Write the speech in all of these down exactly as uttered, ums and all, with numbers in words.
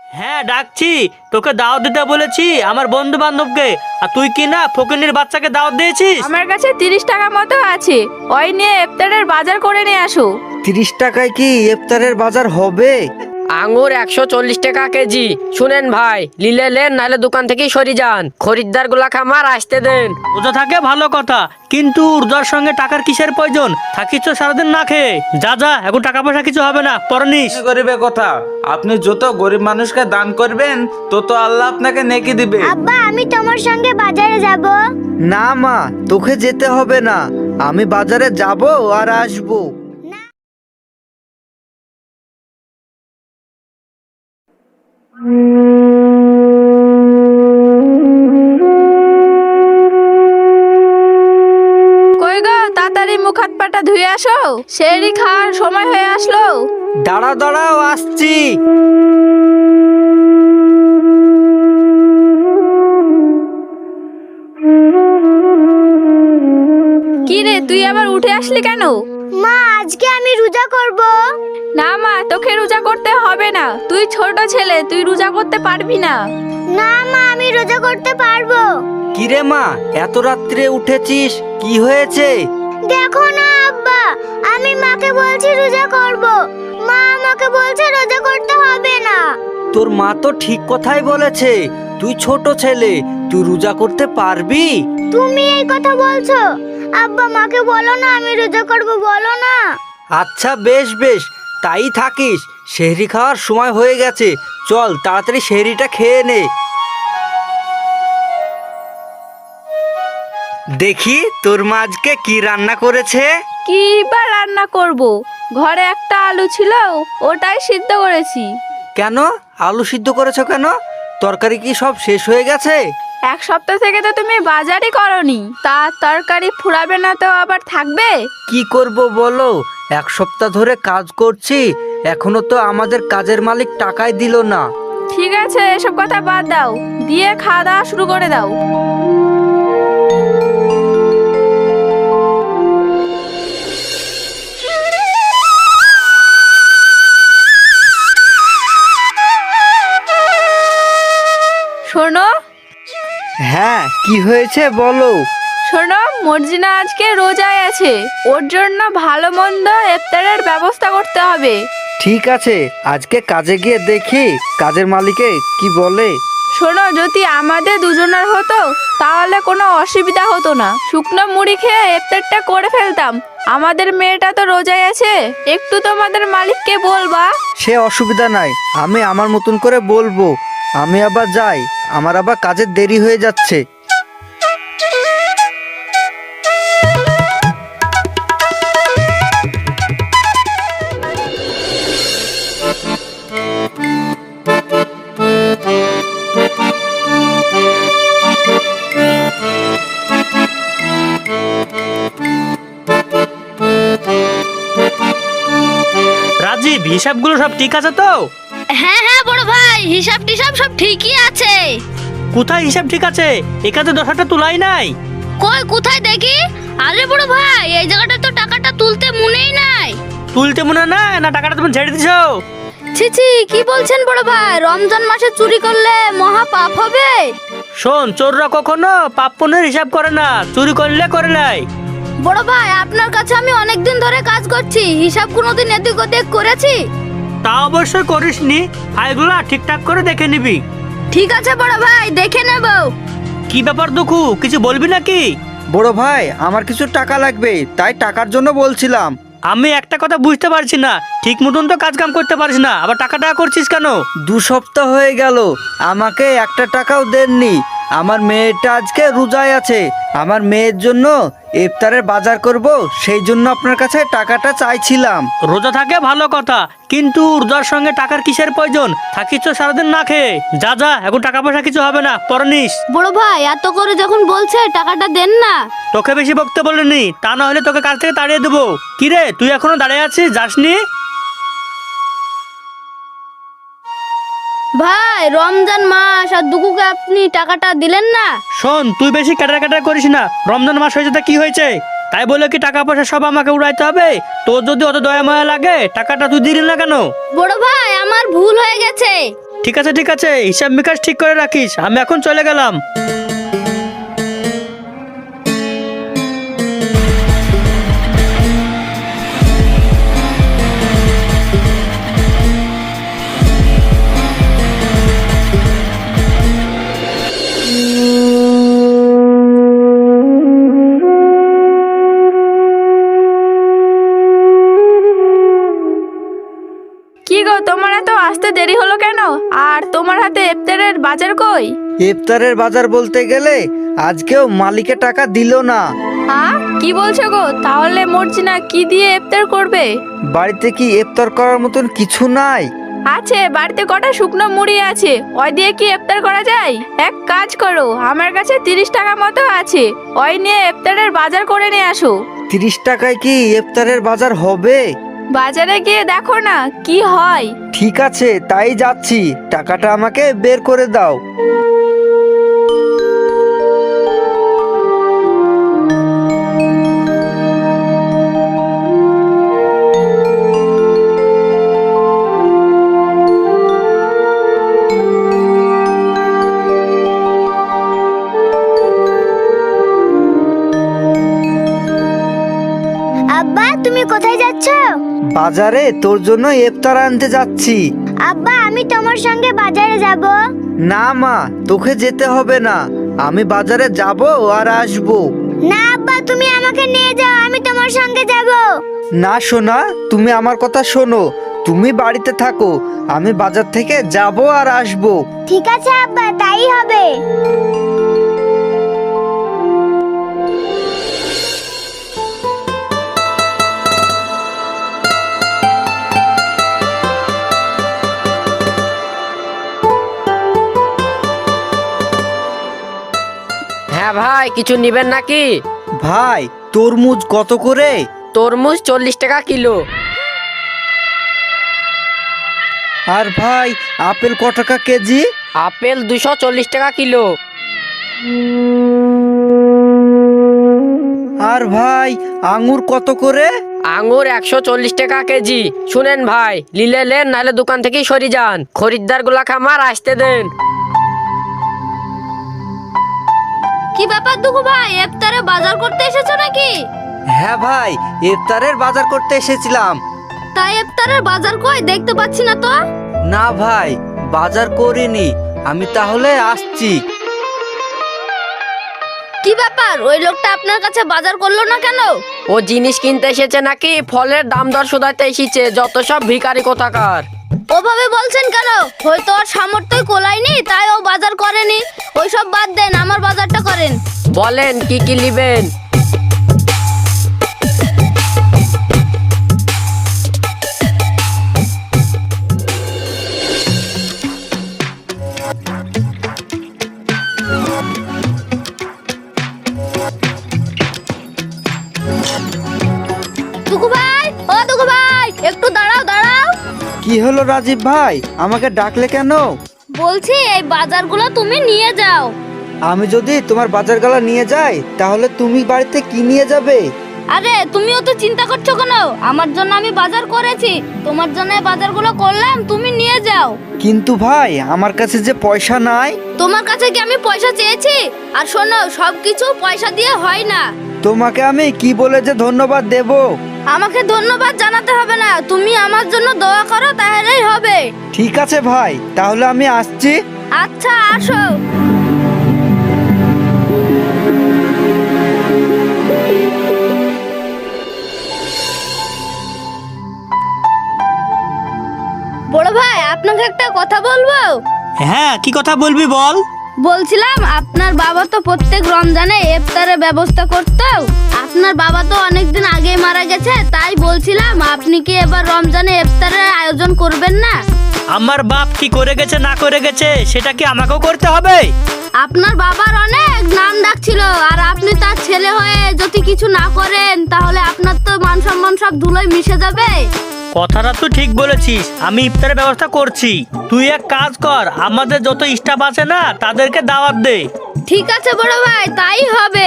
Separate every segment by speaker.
Speaker 1: হ্যাঁ ডাকছি, তোকে দাওয়াত দিতে বলেছি আমার বন্ধু বান্ধবকে। আর তুই কি না ফকিনীর বাচ্চাকে দাওয়াত দিয়েছিস?
Speaker 2: আমার কাছে তিরিশ টাকা মতো আছে, ওই নিয়ে ইফতারের বাজার করে নিয়ে আসো।
Speaker 3: তিরিশ টাকায় কি ইফতারের বাজার হবে?
Speaker 4: আঙ্গুর একশো চল্লিশ টাকা কেজি। শুনেন ভাই, লিলে লেন, নাহলে দোকান থেকেই সরি যান। খরিদ্দার গুলা খামার আসতে দেন।
Speaker 1: রোজা থাকে ভালো কথা, কিন্তু রোজার সঙ্গে টাকার কিসের প্রয়োজন? থাকিস তো সারাদিন না খেয়ে। যা যা, এখন টাকা পয়সা কিছু হবে না, পরে নিস।
Speaker 5: গরিবের কথা, আপনি যত গরিব মানুষকে দান করবেন তত আল্লাহ আপনাকে নেকি দিবে।
Speaker 6: আব্বা আমি তোমার সঙ্গে বাজারে যাব।
Speaker 3: না মা, তোকে যেতে হবে না, আমি বাজারে যাব আর আসবো।
Speaker 2: কই গো, তাড়াতাড়ি মুখ হাত পাটা ধুয়ে আসো, সেহরি খাওয়ার সময় হয়ে আসলো।
Speaker 3: দাঁড়া দাঁড়াও, আসছি।
Speaker 2: কি রে, তুই আবার উঠে আসলি কেন?
Speaker 6: মা আজকে আমি রোজা করব।
Speaker 2: না মা, তোকে রোজা করতে হবে না, তুই ছোট ছেলে, তুই রোজা করতে পারবি না।
Speaker 6: না মা আমি রোজা করতে পারবো।
Speaker 3: কিরে মা, এত রাত্রে উঠেছিস, কি হয়েছে?
Speaker 6: দেখো না আব্বা, আমি মাকে বলছি রোজা করব, মা আমাকে বলছে রোজা করতে হবে না।
Speaker 3: তোর মা তো ঠিক কথাই বলেছে, তুই ছোট ছেলে, তুই রোজা করতে পারবি?
Speaker 6: তুমি এই কথা বলছো? আব্বা মাকে বলো না আমি রোজা করব, বলো না।
Speaker 3: আচ্ছা বেশ বেশ, তাই থাকিস। সেহরি খাওয়ার সময় হয়ে গেছে, চল তাড়াতাড়ি সেহরিটা খেয়ে নে। দেখি তোর মা আজকে কি রান্না করেছে।
Speaker 2: কি বা রান্না করব, ঘরে একটা আলু ছিল, ওটাই সিদ্ধ করেছি।
Speaker 3: কেন আলু সিদ্ধ করেছো কেন? তরকারি কি সব শেষ হয়ে গেছে?
Speaker 2: এক সপ্তাহ থেকে তো তুমি বাজারই করনি, তার তরকারি ফুরাবে না তো আবার থাকবে?
Speaker 3: কি করব বলো, এক সপ্তাহ ধরে কাজ করছি, এখনো তো আমাদের কাজের মালিক টাকাই দিল না।
Speaker 2: ঠিক আছে, এসব কথা বাদ দাও, দিয়ে খাওয়া দাওয়া শুরু করে দাও। শোনো
Speaker 3: হ্যাঁ কি হয়েছে বলো।
Speaker 2: শোনো, মর্জিনা আজকে রোজায় আছে, ওর জন্য ভালো মন্দ ইফতারের ব্যবস্থা করতে হবে।
Speaker 3: ঠিক আছে, আজকে কাজে গিয়ে দেখি কাজের মালিকে কি বলে।
Speaker 2: শোনো, যদি আমাদের দুজনের হতো তাহলে কোনো অসুবিধা হতো না, শুকনো মুড়ি খেয়ে ইফতারটা করে ফেলতাম। আমাদের মেয়েটা তো রোজায় আছে, একটু তোমাদের মালিককে বলবা।
Speaker 3: সে অসুবিধা নাই, আমি আমার মতন করে বলবো। আমি আবার যাই, আমার আবার কাজের দেরি হয়ে যাচ্ছে।
Speaker 1: রাজীব, হিসাবগুলো সব ঠিক আছে তো?
Speaker 6: হ্যাঁ হ্যাঁ বড় ভাই, হিসাব টিসাব সব ঠিকই আছে।
Speaker 1: কোথায় হিসাব ঠিক আছে? এখানে দশ হাজার তুলাই নাই।
Speaker 6: কই কোথায় দেখি? আরে বড় ভাই, এই জায়গাটা তো টাকাটা তুলতে মনেই নাই।
Speaker 1: তুলতে মনে না না টাকাটা তুমি ছেড়ে দিছো?
Speaker 6: ছি ছি, কি বলছেন বড় ভাই? রমজান মাসে চুরি করলে মহা পাপ হবে।
Speaker 1: শোন, চোররা কখনো পাপ পুণ্যের হিসাব করে না, চুরি করলে করে নাই।
Speaker 6: বড় ভাই আপনার কাছে আমি অনেকদিন ধরে কাজ করছি, হিসাব কোনোদিন এদিক ওদিক করেছি?
Speaker 1: তা অবশ্যই করিসনি, ফাইলগুলো ঠিকঠাক করে দেখে নিবি।
Speaker 6: ঠিক আছে বড় ভাই, দেখে নেব।
Speaker 1: কি ব্যাপার দুঃখু, কিছু বলবি নাকি?
Speaker 3: বড় ভাই, আমার কিছু টাকা লাগবে, তাই টাকার জন্য বলছিলাম।
Speaker 1: আমি একটা কথা বুঝতে পারছি না, ঠিক মতন তো কাজ কাম করতে পারিস না, আবার টাকা টাকা করছিস কেন?
Speaker 3: দু সপ্তাহ হয়ে গেল, আমাকে একটা টাকাও দেননি। আমার মেয়েটা আজকে রোজায় আছে, আমার মেয়ের জন্য ইফতারের বাজার করব, সেই জন্য আপনার কাছে টাকাটা চাইছিলাম।
Speaker 1: রোজা থাকে ভালো কথা, কিন্তু রোজার সঙ্গে টাকার কিসের প্রয়োজন? থাকিস তো সারাদিন না খেয়ে। যা যা, এখন টাকা পয়সা কিছু হবে না, পরে নিস।
Speaker 6: বড় ভাই এত করে যখন বলছে টাকাটা দেন না।
Speaker 1: তোকে বেশি বকতে বলিনি, তা না হলে তোকে কাজ থেকে তাড়িয়ে দেবো। কিরে, তুই এখনো দাঁড়িয়ে আছিস, যাসনি?
Speaker 6: ভাই রমজান মাস আর দুকুকে আপনি টাকাটা দিলেন না।
Speaker 1: শোন, তুই বেশি ক্যাটার ক্যাটার করিস না। রমজান মাস হয়েছে তা কি হয়েছে? তাই বলে কি টাকা পয়সা সব আমাকে উড়াইতে হবে? তোর যদি অত দয়া মায়া লাগে, টাকাটা তুই দিলি না কেন?
Speaker 6: বড় ভাই আমার ভুল হয়ে গেছে।
Speaker 1: ঠিক আছে ঠিক আছে, হিসাব নিকাশ ঠিক করে রাখিস, আমি এখন চলে গেলাম।
Speaker 2: কি গো, তোমার এত আসতে দেরি হলো কেন? আর তোমার হাতে ইফতারের বাজার কই?
Speaker 3: ইফতারের বাজার বলতে গেলে আজকেও মালিকের টাকা দিল না।
Speaker 2: হ্যাঁ, কি বলছো গো? তাহলে মর্জিনা কি দিয়ে ইফতার করবে?
Speaker 3: বাড়িতে কি ইফতার করার মতন কিছু নাই?
Speaker 2: আছে, বাড়িতে কটা শুকনো মুড়ি আছে, ওই দিয়ে কি ইফতার করা যায়? এক কাজ করো, আমার কাছে তিরিশ টাকা মতো আছে, ওই নিয়ে ইফতারের বাজার করে নিয়ে আসো।
Speaker 3: তিরিশ টাকায় কি ইফতারের বাজার হবে?
Speaker 2: বাজারে গিয়ে দেখো না কি হয়।
Speaker 3: ঠিক আছে, তাই যাচ্ছি, টাকাটা আমাকে বের করে দাও।
Speaker 6: আব্বা তুমি কোথায় যাচ্ছ?
Speaker 3: বাজারে তোর জন্য ইফতার আনতে যাচ্ছি।
Speaker 6: আব্বা আমি তোমার সঙ্গে বাজারে যাব।
Speaker 3: না মা, তোকে যেতে হবে না, আমি বাজারে যাব আর আসবো।
Speaker 6: না আব্বা তুমি আমাকে নিয়ে যাও, আমি তোমার সঙ্গে যাব।
Speaker 3: না সোনা, তুমি আমার কথা শোনো, তুমি বাড়িতে থাকো, আমি বাজার থেকে যাব আর আসবো।
Speaker 6: ঠিক আছে আব্বা, তাই হবে।
Speaker 4: হ্যাঁ ভাই, কিছু নিবেন নাকি?
Speaker 3: ভাই তরমুজ কত করে?
Speaker 4: তরমুজ চল্লিশ টাকা কিলো।
Speaker 3: আর ভাই আপেল ক টাকা কেজি?
Speaker 4: আপেল দুশো চল্লিশ টাকা কিলো।
Speaker 3: আর ভাই আঙ্গুর কত করে?
Speaker 4: আঙ্গুর একশো চল্লিশ টাকা কেজি। শুনেন ভাই, লিলে লেন নাহলে দোকান থেকেই সরি যান, খরিদ্দার গুলা খামার আসতে দেন।
Speaker 2: কি ব্যাপার দুঃখু ভাই, ইফতারে বাজার করতে এসেছো নাকি?
Speaker 3: হ্যাঁ ভাই, ইফতারের বাজার করতে এসেছিলাম।
Speaker 2: তাই ইফতারের বাজার কই, দেখতে পাচ্ছি না তো।
Speaker 3: না ভাই, বাজার করিনি, আমি তাহলে আসছি।
Speaker 2: কি ব্যাপার, ওই লোকটা আপনার কাছে বাজার করলো না কেন?
Speaker 4: ও জিনিস কিনতে এসেছে নাকি ফলের দাম দর শোধাতে এসেছে, যত সব ভিখারি কোথাকার।
Speaker 2: ওভাবে বলছেন কেন? হয়তো ওর সামর্থ্যই কোলায়নি তাই ও বাজার করেনি। ওইসব বাদ দেন, আমার বাজারটা করেন।
Speaker 4: বলেন কি কি নিবেন?
Speaker 2: দুঃখু ভাই, ও দুঃখু ভাই, একটু দাঁড়াও দাঁড়াও।
Speaker 3: কি হলো রাজীব ভাই, আমাকে ডাকলে কেন?
Speaker 2: বলছি এই বাজারগুলো তুমি নিয়ে যাও।
Speaker 3: আমি যদি তোমার বাজারগুলো নিয়ে যাই তাহলে তুমি বাড়িতে কি নিয়ে যাবে?
Speaker 2: আরে তুমিও তো চিন্তা করছো কেন? আমার জন্য আমি বাজার করেছি, তোমার জন্য এই বাজারগুলো করলাম, তুমি নিয়ে যাও।
Speaker 3: কিন্তু ভাই আমার কাছে যে পয়সা নাই।
Speaker 2: তোমার কাছে কি আমি পয়সা চেয়েছি? আর শোনো, সবকিছু পয়সা দিয়ে হয় না।
Speaker 3: তোমাকে আমি কি বলে যে ধন্যবাদ দেব?
Speaker 2: আমাকে ধন্যবাদ জানাতে হবে না, তুমি আমার জন্য দোয়া করো তাহলেই হবে।
Speaker 3: ঠিক আছে ভাই, তাহলে আমি আসছি।
Speaker 2: আচ্ছা আসো। বড় ভাই, আপনাকে একটা কথা বলবো।
Speaker 1: হ্যাঁ, কি কথা বলবি বল।
Speaker 2: বলছিলাম আপনার বাবা তো প্রত্যেক রমজানে ইফতারের ব্যবস্থা করতো। আপনার বাবা তো অনেকদিন আগেই মারা গেছে, তাই বলছিলাম আপনি কি এবার রমজানে ইফতারের আয়োজন করবেন না?
Speaker 1: আমার বাপ কি করে গেছে না করে গেছে সেটা কি আমাকেও করতে হবে?
Speaker 2: আপনার বাবার অনেক নাম ডাক ছিল, আর আপনি তার ছেলে হয়ে যদি কিছু না করেন তাহলে আপনার তো মান সম্মান সব ধুলোয় মিশে যাবে।
Speaker 1: কথাটা তুই ঠিক বলেছিস, আমি ইফতারের ব্যবস্থা করছি। তুই এক কাজ কর, আমাদের যত স্টাফ আছে না তাদেরকে দাওয়াত দে।
Speaker 2: ঠিক আছে বড় ভাই, তাই হবে।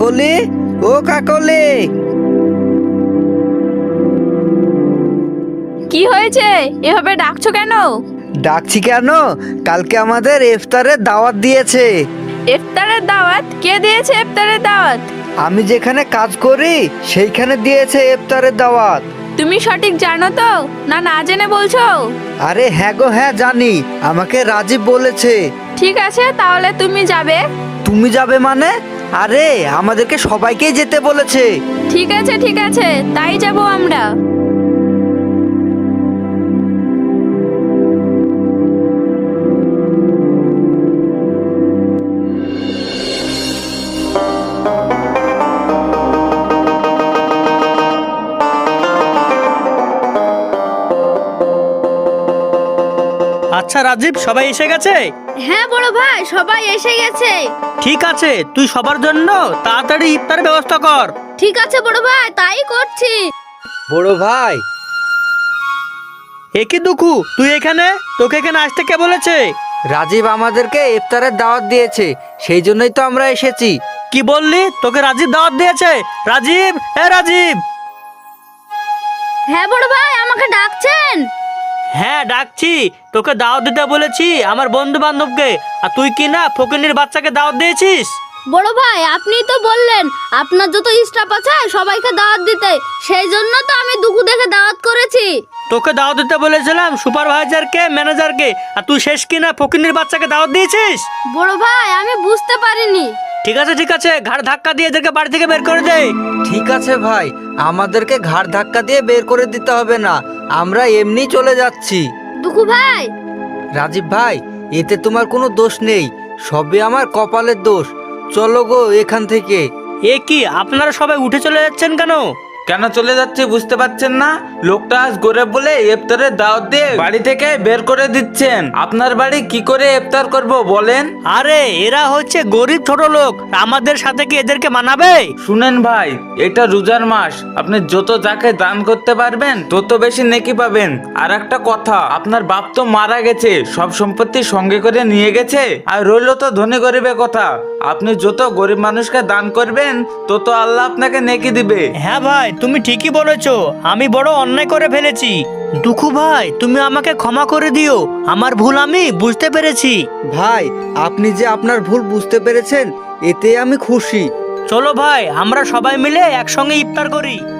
Speaker 3: কাকলি, ও কাকলি।
Speaker 2: কি হয়েছে, এভাবে ডাকছো কেন?
Speaker 3: ডাকছি কেন? কালকে আমাদের ইফতারের দাওয়াত দিয়েছে।
Speaker 2: ইফতারের দাওয়াত? কে দিয়েছে ইফতারের দাওয়াত?
Speaker 3: আমি যেখানে কাজ করি সেইখানে দিয়েছে ইফতারের দাওয়াত।
Speaker 2: তুমি সঠিক জানো তো, না না জেনে বলছো?
Speaker 3: আরে হ্যাঁ গো হ্যাঁ জানি, আমাকে রাজীব বলেছে।
Speaker 2: ঠিক আছে, তাহলে তুমি যাবে।
Speaker 3: তুমি যাবে মানে? আরে আমাদেরকে সবাইকেই যেতে বলেছে।
Speaker 2: ঠিক আছে ঠিক আছে, তাই যাব আমরা।
Speaker 1: আচ্ছা রাজীব, সবাই এসে গেছে?
Speaker 6: হ্যাঁ বড় ভাই, সবাই এসে গেছে।
Speaker 1: ঠিক আছে, তুই সবার জন্য তাড়াতাড়ি ইফতারের ব্যবস্থা কর।
Speaker 6: ঠিক আছে বড় ভাই, তাই করছি।
Speaker 3: বড় ভাই,
Speaker 1: এ কি দুঃখু, তুই এখানে? তোকে এখানে আসতে কে বলেছে?
Speaker 3: রাজীব আমাদেরকে ইফতারের দাওয়াত দিয়েছে, সেই জন্যই তো আমরা এসেছি।
Speaker 1: কি বললি? তোকে রাজীব দাওয়াত দিয়েছে? রাজীব, এ রাজীব।
Speaker 6: হ্যাঁ বড় ভাই, আমাকে ডাকছেন?
Speaker 1: হ্যাঁ ডাকছি, তোকে দাওয়াত দিতে বলেছি আমার বন্ধু বান্ধবকে, আর তুই কি না ফকিনীর বাচ্চাকে দাওয়াত দিয়েছিস?
Speaker 6: বড় ভাই, আপনি তো বললেন আপনার যত স্টাফ আছে সবাইকে দাওয়াত দিতে, সেই জন্য তো আমি দুঃখ দেখে দাওয়াত করেছি।
Speaker 1: তোকে দাওয়াত দিতে বলেছিলাম সুপারভাইজারকে, ম্যানেজারকে, আর তুই শেষ কিনা ফকিনীর বাচ্চাকে দাওয়াত দিয়েছিস?
Speaker 6: বড় ভাই, আমি বুঝতে পারিনি।
Speaker 1: ঠিক আছে ঠিক আছে, ঘাড় ধাক্কা দিয়ে এদেরকে বাড়ি থেকে বের করে দে।
Speaker 3: ঠিক আছে ভাই, আমাদেরকে ঘাড় ধাক্কা দিয়ে বের করে দিতে হবে না, আমরা এমনি চলে যাচ্ছি।
Speaker 6: দুঃখু ভাই,
Speaker 3: রাজীব ভাই, এতে তোমার কোনো দোষ নেই, সবই আমার কপালের দোষ। চলো গো এখান থেকে।
Speaker 1: এ কি, আপনারা সবাই উঠে চলে যাচ্ছেন কেন?
Speaker 5: কেন চলে যাচ্ছে বুঝতে পারছেন না? লোকটা আজ গরিব বলে ইফতারের দাওয়াত দিয়ে বাড়ি থেকে বের করে দিচ্ছেন। আপনার বাড়ি কি করে ইফতার করব বলেন?
Speaker 1: আরে এরা হচ্ছে গরিব ছোট লোক, আমাদের সাথে কি এদেরকে মানাবে?
Speaker 5: শুনেন ভাই, এটা রোজার মাস, আপনি যত যাকে দান করতে পারবেন তত বেশি নেকি পাবেন। আর একটা কথা, আপনার বাপ তো মারা গেছে, সব সম্পত্তি সঙ্গে করে নিয়ে গেছে। আর রইল তো ধনী গরিবের কথা, আপনি যত গরিব মানুষকে দান করবেন তত আল্লাহ আপনাকে নেকি দিবে।
Speaker 1: হ্যাঁ ভাই, তুমি ঠিকই বলেছো, আমি বড় অন্যায় করে ফেলেছি। দুঃখু ভাই, তুমি আমাকে ক্ষমা করে দিও, আমার ভুল আমি বুঝতে পেরেছি।
Speaker 3: ভাই, আপনি যে আপনার ভুল বুঝতে পেরেছেন এতে আমি খুশি।
Speaker 1: চলো ভাই, আমরা সবাই মিলে একসঙ্গে ইফতার করি।